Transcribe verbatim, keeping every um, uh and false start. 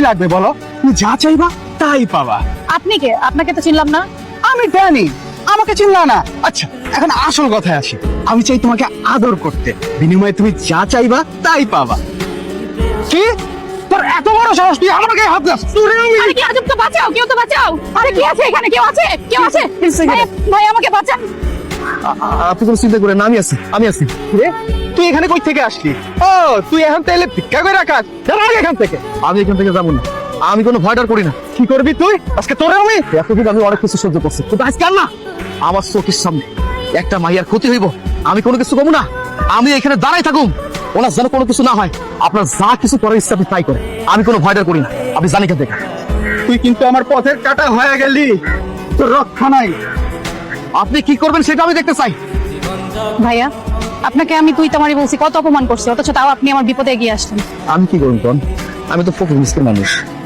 লাগবে বলো? তুমি যা চাইবা তাই পাবা। আপনি কে? আপনাকে তো চিনলাম না। আমি জানি আমাকে চিনলা না। আচ্ছা এখন আসল কথায় আসি। আমি চাই তোমাকে আদর করতে, বিনিময়ে তুমি যা চাইবা তাই পাবা। কি তোর এত বড় সাহস, তুই আমার গায়ে হাত দাস? তোরে আমি আরে কি আজব, তো বাঁচাও, কেউ তো বাঁচাও। আরে কি আছে এখানে? কেউ আছে? কেউ আছে? ভাই, ভাই আমাকে বাঁচান। আপনি কোনো চিন্তা করেন না, আমি আছি আমি আছি রে, তুই এখানে কই থেকে আসলি? ও তুই এখন তাইলে ভিক্ষা করে রাখাস? যারা এখান থেকে। আমি এখান থেকে যাবো না, আমি কোনো ভয় ডর করি না। কি করবি তুই আজকে? তোরে আমি এতদিন আমি অনেক কিছু সহ্য করছি, কিন্তু আজকে আর না। আমার চোখের সামনে একটা মাইয়ার ক্ষতি হইব, আমি কোনো কিছু কমু না। আমি এখানে দাঁড়াই থাকুম, ওনার যেন কোনো কিছু না হয়। আপনার যা কিছু করার ইচ্ছা আপনি তাই করে, আমি কোনো ভয় ডর করি না। আপনি জানি কেন থেকে। তুই কিন্তু আমার পথের কাটা হয়ে গেলি, তোর রক্ষা নাই। আপনি কি করবেন সেটা আমি দেখতে চাই। ভাইয়া, আপনাকে আমি তুই তোমারই বলছি, কত অপমান করছি, অথচ তাও আপনি আমার বিপদে এগিয়ে আসলেন। আমি কি করুন কোন? আমি তো ফকির মিসকিন মানুষ,